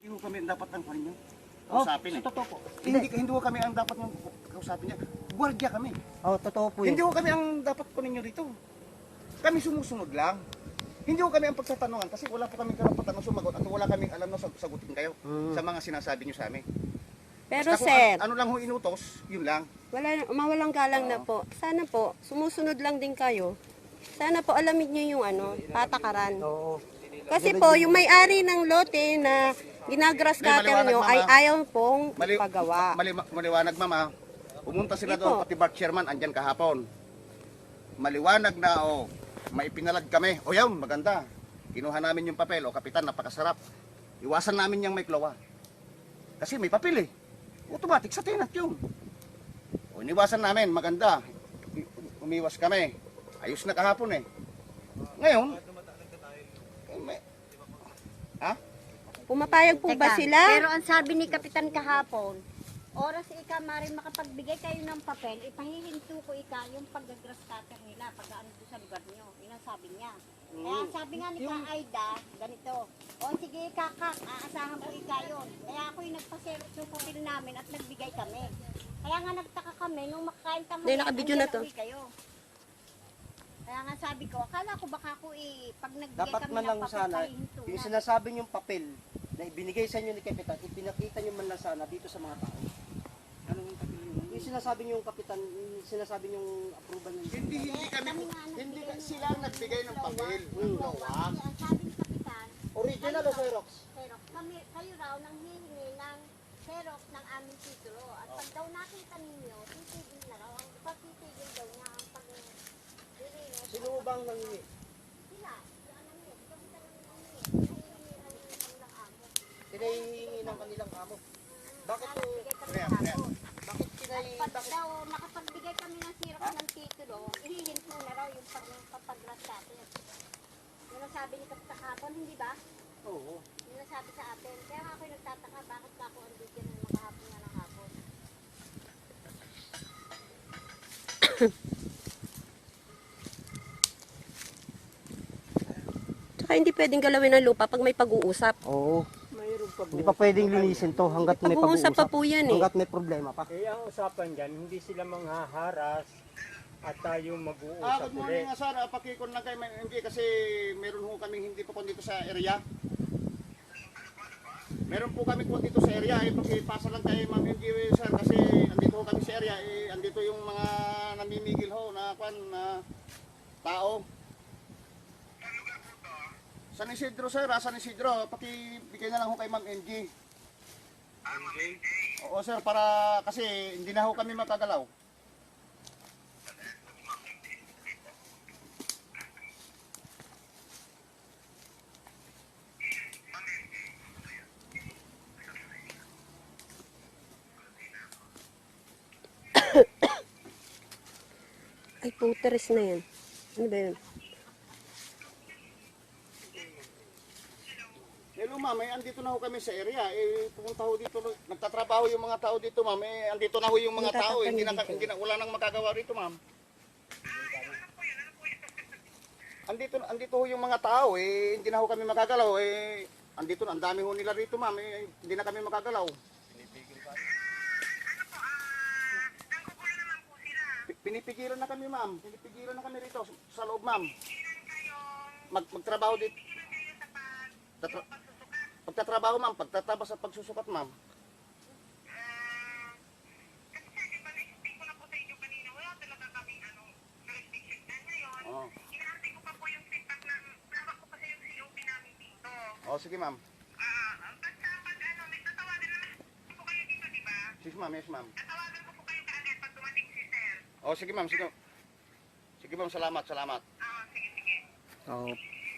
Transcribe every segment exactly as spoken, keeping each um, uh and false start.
ho kami ang dapat ang kunin nyo. Oh, Kausapin sa eh. totoo po. Hindi, hindi ho kami ang dapat yung kausapin niya. Guardia kami. Oh, totoo po yun. Hindi ho kami ang dapat kunin nyo dito. Kami sumusunod lang. Hindi ho kami ang pagtatanungan kasi wala po kaming karapatan na sumagot at wala kaming alam na sag- sagutin kayo Mm. sa mga sinasabi nyo sa amin. Pero Basta kung sir, ano, ano lang ho inutos, yun lang. wala, mawalang galang na po. Sana po, sumusunod lang din kayo. Sana po alamin niyo yung ano, patakaran. Oo. Kasi po, yung may-ari ng lote na ginagrass May cutter maliwanag, nyo mama. ay ayaw pong Mali, pagawa. mali, maliwanag mama. Pumunta sila Hindi doon, po. pati Bart Sherman, andyan kahapon. Maliwanag na, o, may ipinalad kami. O yun, maganda. Kinuha namin yung papel, o kapitan, napakasarap. Iwasan namin yung may klowa. Kasi may papel eh. Automatic sa tenant yun. O, iniwasan namin, maganda. Umiwas kami. Ayos na kahapon eh. Ngayon, eh, may, ha? Pumapayag po ba Teka, sila? Pero ang sabi ni Kapitan kahapon, oras ika maring makapagbigay kayo ng papel, ipahihinto ko ika yung pag-grass cutter nila pag ano doon sa lugar nyo. Yun ang sabi niya. Kaya ang sabi nga ni Ka Aida, ganito, o sige kakak, aasahan ko ika yun. Kaya ako yung nagpaselos yung papel namin at nagbigay kami. Kaya nga nagtaka kami, nung makakain tanghali, Hindi, nakabidyo na to. uwi kayo. Kaya nga sabi ko, akala ko baka ako eh, pag nagbigay Dapat kami man ng lang papel, sana, pahihinto yung na. sinasabi niyong papel na ibinigay sa inyo ni Kapitan, ipinakita niyo man lang sana dito sa mga tao. Anong papel yun? Yung sinasabi niyong Kapitan, yung sinasabi niyong approval niyo. Hindi, hindi kami, Kami nga nagbigay hindi ka, ng- sila ang nagbigay ng papel. Hmm. Klowa. Kasi ang sabi ni Kapitan, Original o Xerox? pero kami, kayo raw nang hihingi ng Xerox ng aming titulo. At pag daw nakita ninyo, titigil na raw. Ang pagtitigil daw niya ang pag-release. Sino bang nangingi? Sila, si ano niya, si Kapitan ang nangingi. Hihingi ng kanilang amo. Pinahihingi ng kanilang amo. Bakit po? Nagbigay kami Kaya, ng kaya. hapon. Bakit pinay... Pag Bakit? daw nakapagbigay kami ng Xerox ng titulo, ihihinto na raw yung pagpapagras natin. Yun ang sabi ni Kapitan kahapon, hindi ba? Oo. Yun ang sabi sa atin. Kaya nga ako'y nagtataka, bakit ba ako andito na makahapon nga ng hapon? Tsaka hindi pwedeng galawin ng lupa pag may pag-uusap. Oo. Mayroon pa Hindi pa pwedeng linisin to hanggat may Pag-uusap pag-uusap. pa po yan eh. Hanggat may problema pa. Eh, ang usapan dyan, hindi sila manghaharas at tayo Ah, mag-uusap good morning ulit. nga sir. Ah, pakikon lang kayo M G kasi meron ho kami hindi pa po dito sa area. Meron po kami po dito sa area. Eh, pakipasa lang kayo Ma'am M G sir kasi andito ho kami sa area. Eh, andito yung mga namimigil ho na kwan na tao. San Isidro sir, ah, San Isidro. Pakibigay na lang ho kay Ma'am M G. Oo sir, para kasi hindi na ho kami makagalaw. Ay, puteres na yan. Ano ba yun? Hello ma'am, eh, andito na ho kami sa area. Eh, pumunta ho dito, nagtatrabaho yung mga tao dito ma'am. Eh, andito na ho yung mga tao. Eh, hindi na, hindi na, wala nang magagawa rito ma'am. Andito, andito ho yung mga tao. Eh, hindi na ho kami magagalaw. Eh, andito na, ang dami ho nila rito ma'am. Eh, hindi na kami magagalaw. Pi- Pinipigilan na kami ma'am. Pinipigilan na kami rito sa loob ma'am. Mag, magtrabaho dito. Tatra- Pagtatrabaho ma'am, pagtatrabaho sa pagsusukat ma'am. Oo. Oh, sige ma'am. Sige ma'am, yes ma'am. Oh, sige ma'am, sige. Sige ma'am, salamat, salamat. Oo.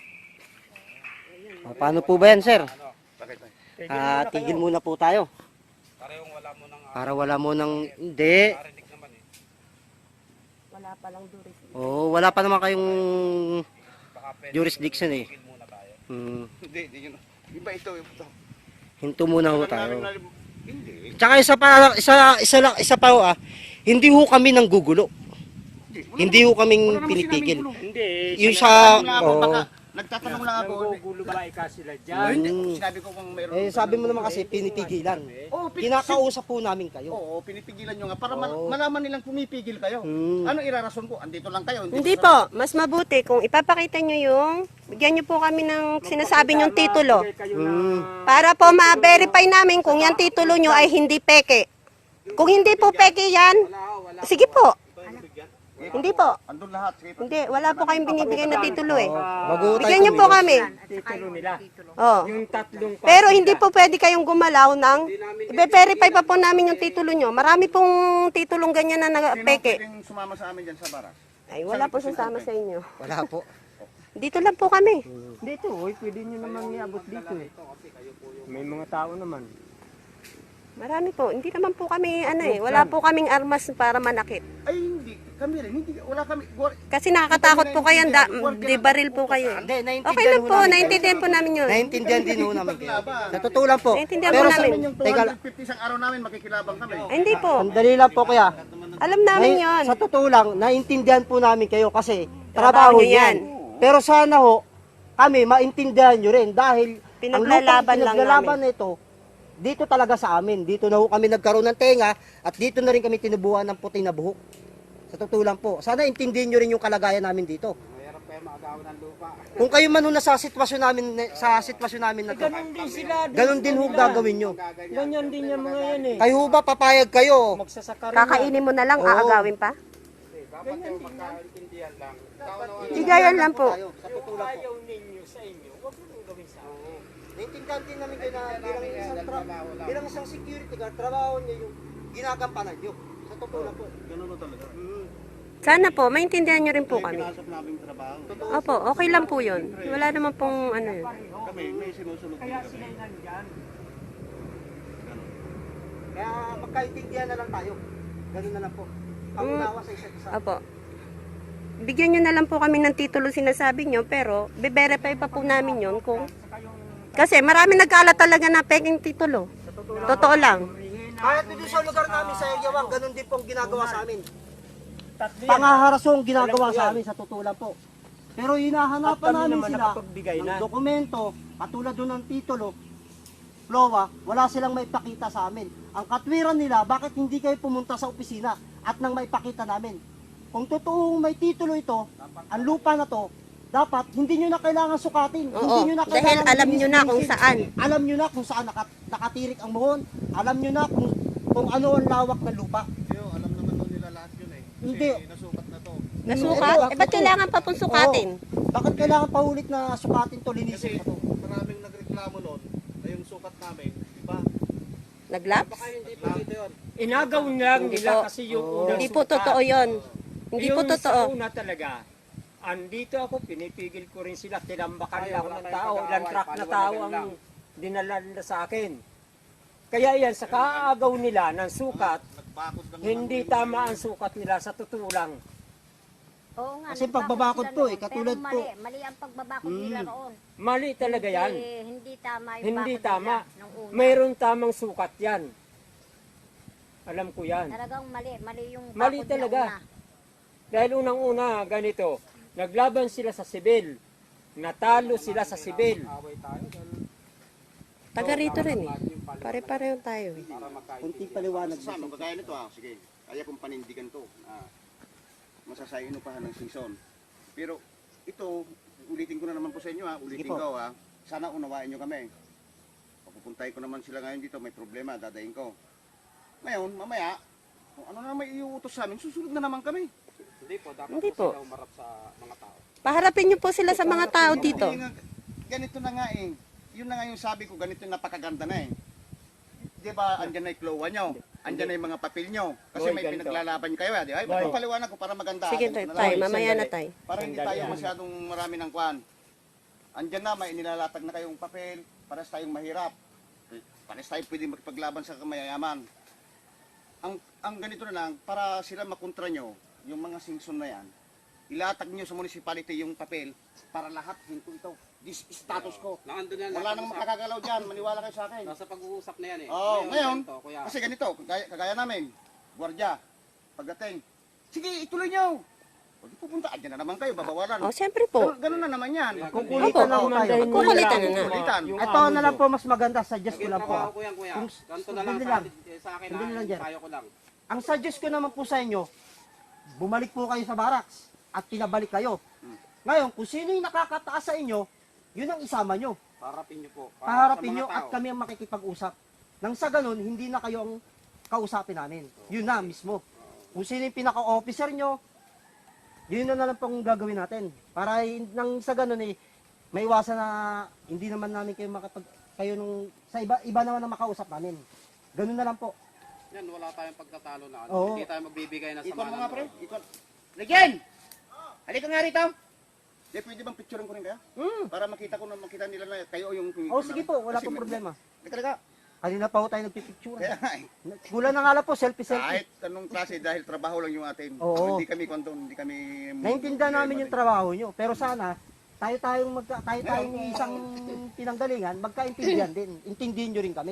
Ah, paano po ba yan, sir? Bakit? Tigil Ah, muna tigil kayo. muna po tayo. Parehong wala mo nang Para wala mo ng... Hindi. narinig naman eh. Wala pa lang duris. Oo, wala pa naman kayong Baka pwede jurisdiction eh. tigil muna tayo. Hmm. Hindi, hindi yun. Iba ito. ito. Hinto muna ho Alam tayo. namin na- Hindi. Tsaka isa pa, isa, isa, lang, isa pa ho ah, hindi ho kami nang gugulo. Wala Hindi ho kaming wala naman pinitigil. sinabing gulo. Hindi, Yung sila- sa... Alam na ako, oo. baka nagtatanong lang ako. Nangugulo ba ika sila Oh, dyan? hindi. Mm. Sinabi ko kung mayroon. Eh, sabi mo naman kasi, pinipigilan. Oh, pi- Kinakausap po namin kayo. Oo, pinipigilan nyo nga para man- Oo. malaman nilang pumipigil kayo. Hmm. Ano irarason ko? Andito lang kayo. Hindi po, mas mabuti kung ipapakita nyo yung, bigyan nyo po kami ng sinasabi nyong titulo. Magbigay kayo Hmm. ng- Para po ma-verify namin kung yan titulo nyo ay hindi peke. Kung hindi po peke yan, sige po. Hindi po. Andun lahat. Sige, Hindi, wala po kayong binibigay na titulo eh. Maguutay Bigyan nyo po kami. titulo nila. Oh. Yung tatlong Pero hindi po pwede kayong gumalaw ng, i-verify pa po namin yung titulo nyo. Marami pong titulong ganyan na Sino peke. pwedeng sumama sa amin dyan sa baras? Ay, wala po sasama sa inyo. Wala po. Dito lang po kami. Dito, oy, pwede nyo naman iabot dito eh. May mga tao naman. Marami po. Hindi naman po kami, ano eh, wala po kaming armas para manakit. Ay, hindi. Kami rin. Hindi. Wala kami. Gwar- Kasi nakakatakot po kayo, da, di baril po kayo eh. Hindi, naiintindihan Okay lang ho po, namin. naintindihan po namin yun. Naiintindihan din ho namin kayo. Sa totoo lang po. Naintindihan Pero po sa, namin. Yung teka lang. two hundred fifty isang araw namin, makikilabang kami. Ay, hindi po. Sandali lang po kaya. Alam namin Nai- yun. Sa totoo lang, naintindihan po namin kayo kasi Trabaho trabaho nyo yan. yan. Pero sana ho, kami maintindihan nyo rin dahil Pinaglalaban ang lang pinaglalaban na ito, dito talaga sa amin. Dito na ho kami nagkaroon ng tenga at dito na rin kami tinubuhan ng puti na buhok. Sa totoo lang po. Sana intindihin nyo rin yung kalagayan namin dito. Mayroon pa yung maagawan ng lupa. Kung kayo man ho nasa sitwasyon namin sa sitwasyon namin na to, Ganun din sila. ganun din ho gagawin nyo. Ganyan din yung mga yan eh. Kayo ho ba papayag kayo? Magsasaka rin. Kakainin mo na lang, Oo. aagawin pa? Dapat yung magkaintindihan lang. Ikaw na wala. Igayan lang po. Sa totoo lang po. Ayaw ninyo sa inyo, huwag mo nang gawin sa akin. Naintindihan din namin kayo na bilang isang, tra- bilang isang security guard, trabaho niyo yung ginagampanan niyo. Sa totoo lang po. Ganun na talaga. Mm. Sana po, maintindihan nyo rin po kami. Pinasok namin trabaho. Opo, okay lang po yun. Wala naman pong ano yun. Kami, may sinusunod din Kaya kami. sila nandyan. Kaya magkaintindihan na lang tayo. Ganun na lang po. Pangunawa sa isa't isa. Opo. Bigyan nyo na lang po kami ng titulo sinasabi nyo, pero be-verify pa po namin yun kung... Kasi marami nagkalat talaga na peking titulo. Totoo lang. Kahit dito sa lugar namin sa Yawan, ganun din pong ginagawa sa amin. Tatlo yan. Pangaharasong ginagawa Alam ko sa yan. amin sa totoo lang po. Pero At hinahanapan kami namin naman sila nakapagbigay ng na. dokumento, katulad doon ng titulo, Flowa, wala silang maipakita sa amin. Ang katwiran nila, bakit hindi kayo pumunta sa opisina at nang maipakita namin? Kung totoong may titulo ito, ang lupa na to, dapat hindi nyo na kailangan sukatin. Oo, hindi nyo na dahil kailangan alam nyo na kung linisin. saan. Alam nyo na kung saan nakat- nakatirik ang muhon. Alam nyo na kung, kung ano ang lawak ng lupa. Yo, alam naman nun nila lahat yun eh. Kasi Hindi. nasukat na to. Nasukat? Eh, ba't kailangan pa pong sukatin? Oo. Bakit kailangan paulit na sukatin to, linisin Kasi pa to? maraming nagreklamo nun na yung sukat namin, di ba? Naglaps? Hindi po dito yun. Inagaw lang Hindi nila po. kasi yung unang Hindi po sukat. totoo yun. Hindi po Yung totoo. sa una talaga, andito ako, pinipigil ko rin sila, tinambakan Ay, lang wala ng kayong tao, pag-aaway, ilang truck na tao paliwanagan ang lang. dinala nila sa akin. Kaya yan, sa kaagaw nila ng sukat, Nagbakod lang hindi tama ang sukat nila sa totoo lang. Oo nga, Kasi nagbakod pagbabakod sila po noon, eh, katulad pero po. mali, mali ang pagbabakod nila roon. Mali talaga yan. Hindi, hindi tama yung Hindi bakod tama. nila nung una. Mayroon tamang sukat yan. Alam ko yan. Talagang mali, mali yung bakod Mali nila talaga. una. Dahil unang-una, ganito, naglaban sila sa sibil. Natalo sila sa sibil. Away tayo dahil Taga rito rin eh. Pare-pareho tayo eh. para magkain. Kunting paliwanag Sa dito. kagaya nito ah, sige. Kaya kong panindigan to na masasayin pa ng season. Pero ito, ulitin ko na naman po sa inyo ha, ulitin Sige po. ko ha. Sana unawain nyo kami. Papupuntay ko naman sila ngayon dito, may problema, dadayin ko. Ngayon, mamaya, kung ano na may iuutos sa amin, susunod na naman kami. Hindi po, dapat Hindi po po. sila umarap sa mga tao. Paharapin nyo po sila sa mga tao dito. Hindi nga, ganito na nga eh. Yun na nga yung sabi ko, ganito yung napakaganda na eh. Di ba, andyan na yung klowa nyo, andyan na yung mga papel nyo. Kasi Boy, may ganito. pinaglalaban kayo eh. Di ba? Boy. Papaliwanag ko para maganda. Sige, Ganito na tay, lang. mamaya na sandali. tay. Para hindi Sandali tayo lang. masyadong marami ng kwan. Andyan na, may nilalatag na kayong papel, para tayong mahirap. Para tayo pwede makipaglaban sa kamayayaman. Ang ang ganito na lang, para sila makontra nyo, yung mga singson na yan, ilatag nyo sa municipality yung papel para lahat hinto ito. This is status ko. Nandun yan. Wala nang makakagalaw dyan, maniwala kayo sa akin. Nasa pag-uusap na yan eh. Oo, ngayon, ganito, kuya. kasi ganito, kagaya, kagaya namin, gwardiya, pagdating, sige, ituloy nyo. Pag pupunta, andyan na naman kayo, babawalan. O, siyempre po. Ganun, ganun na naman yan. Kukulitan na Opo. ho tayo. Kukulitan na na. Kukulitan. Ito na lang po mas maganda, suggest ko lang po. Trabaho ah. ko yan, kuya. Kung Ganito na lang sandali sa, lang. atin- sa akin, Sandali lang, ha? Jer. Tayo ko lang. Ang suggest ko naman po sa inyo, bumalik po kayo sa barracks at pinabalik kayo. Ngayon, kung sino yung nakakataas sa inyo, yun ang isama nyo. Paharapin niyo po. Para Paharapin sa mga nyo at tao. kami ang makikipag-usap. Nang sa ganun, hindi na kayo ang kausapin namin. Yun na mismo. Kung sino yung pinaka-officer nyo, yun na na lang pong gagawin natin. Para hin- nang sa ganun eh, may iwasan na hindi naman namin kayo makapag kayo nung sa iba iba naman ang makausap namin. Ganun na lang po. Yan, wala tayong pagtatalo na. ano. Oo. Hindi tayo magbibigay ng Ikon sama mo ng nga, pre. loob. Ikon. Legend! Halika nga rito. Di, pwede bang picturean ko rin kaya? Mm. Para makita ko na makita nila na kayo yung... Oh, sige po, wala Kasi pong may- problema. Halika, halika. Kanina pa ho tayo nagpipicture. Kaya nga eh. Kulang na nga lang po, selfie-selfie. Kahit anong klase dahil trabaho lang yung atin. Oo. Hindi kami kwanto, hindi kami... Naintindihan namin yung trabaho nyo, pero sana tayo tayong magka, tayo tayong isang pinanggalingan, magkaintindihan din. Intindihin nyo rin kami.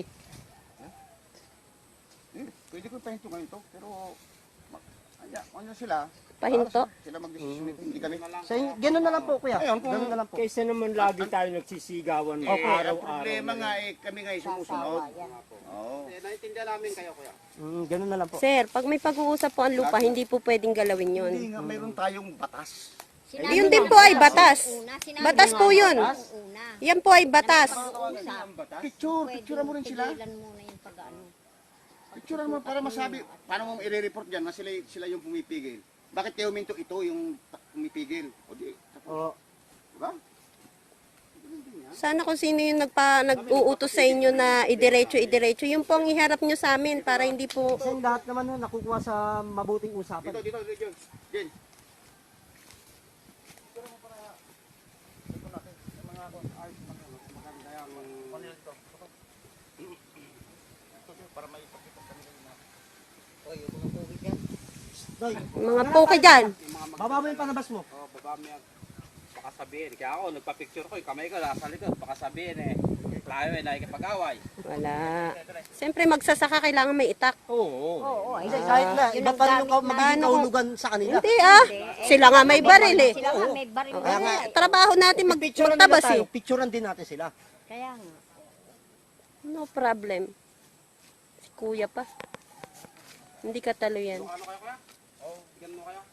Eh, pwede ko pahinto ganito, pero... ma- Anya, ano sila? Pahinto? Para Sila magdesisyon nito, hindi kami. So, ganun na lang po, kuya. Ayun, kung- Ganun na lang po. Kaysa naman lagi tayo nagsisigawan Eh, ang araw-araw. problema nga eh, kami nga eh sumusunod. Oo. Eh, naintindihan namin kayo, kuya. Mm, ganun na lang po. Sir, pag may pag-uusap po ang lupa, hindi po pwedeng galawin yun. Hindi nga, mayroon tayong batas. Sinabi Yun din ng po ay mga batas. una, sinabi Batas ng po mga yun. nung una. Yan po ay batas. Pag-uusap, Picture, pwede picture mo rin sila. tigilan muna yung pag-ano. Picture mo para masabi, paano mo i-report dyan na sila, sila yung pumipigil. Bakit kayo minto ito yung pumipigil? O di, Oo. diba? Sana kung sino yung nagpa, nag-uutos sa inyo na idiretso, idiretso, yung po ang iharap nyo sa amin para hindi po... Kasi lahat naman ho, nakukuha sa mabuting usapan. Dito, dito, dito, Jen. Doy, Mga poke dyan. baba mo yung panabas mo. Oo, baba mo yan. Baka sabihin. Kaya ako, nagpa-picture ko, yung kamay ko nasa likod. Baka sabihin eh, tayo eh, nakikipag-away. Wala. Siyempre magsasaka kailangan may itak. Oo. Oo, ay, Hindi, kahit na, yun iba ang pa rin yung gamit ka- magiging Paano kung- kaulugan sa kanila. Hindi ah. Sila nga may baril eh. Sila nga may baril Kaya na nga, eh. trabaho natin mag Picturean nila magtabas tayo, eh. picturean din natin sila. Kaya nga. No problem. Si kuya pa. Hindi ka talo yan. Ano kayo, kuya? Oo, bigyan mo kayo.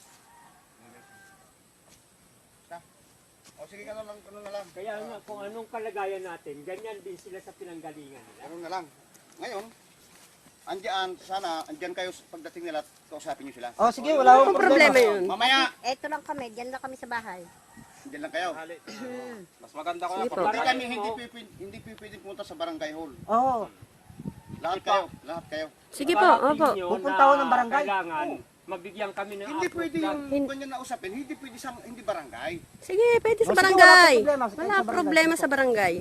O sige, ano lang, ano na lang. Kaya nga, kung anong kalagayan natin, ganyan din sila sa pinanggalingan nila. Ano na lang. Ngayon, andyan, sana, andyan kayo pagdating nila, kausapin nyo sila. Oh, sige, wala akong Ang problema yun. Mamaya, Eto lang kami, dyan lang kami sa bahay. andyan lang kayo. Hali. Mas maganda ko na Sige po. pag Hindi kami, hindi, pwede, hindi pwede pumunta sa barangay hall. Oo. Lahat kayo, lahat kayo. Sige po, Parating opo. nyo Pupunta na ako ng barangay. Kailangan, mabigyan kami ng Hindi approve pwede plan. yung ganyan na usapin, hindi pwede sa, hindi barangay. Sige, pwede sa Oh, sige, barangay. wala problema. Sige, Wala sa barangay. problema Sige sa barangay.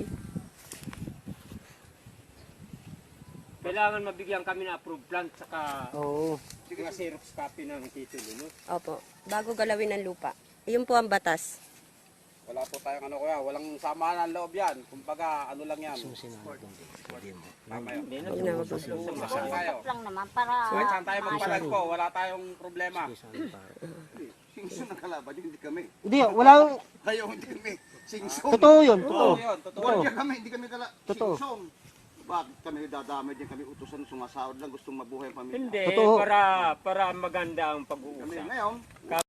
Kailangan mabigyan kami ng approved plan saka Oo. mga xerox copy ng titulo. No? Opo. Bago galawin ang lupa. Iyon po ang batas. Wala po tayong ano, kuya. Walang samaan ng loob yan. Kumbaga, ano lang yan. Tama yun. Hindi na. Huwag na, wag na. Saan tayo? Stop lang naman para... Kahit saan tayo magpalagpo, wala tayong problema. Singso na kalaban, hindi kami. Hindi, wala akong... Kayo, hindi kami. Singso. Totoo yun, Totoo totoo. yun, totoo. Wala kami, hindi kami kala. Totoo. Singsong. Bakit kami dadamay din kami utusan sumasahod lang gustong mabuhay ang pamilya. Hindi, Totoo. para para maganda ang Kami pag-uusap. ngayon, Kami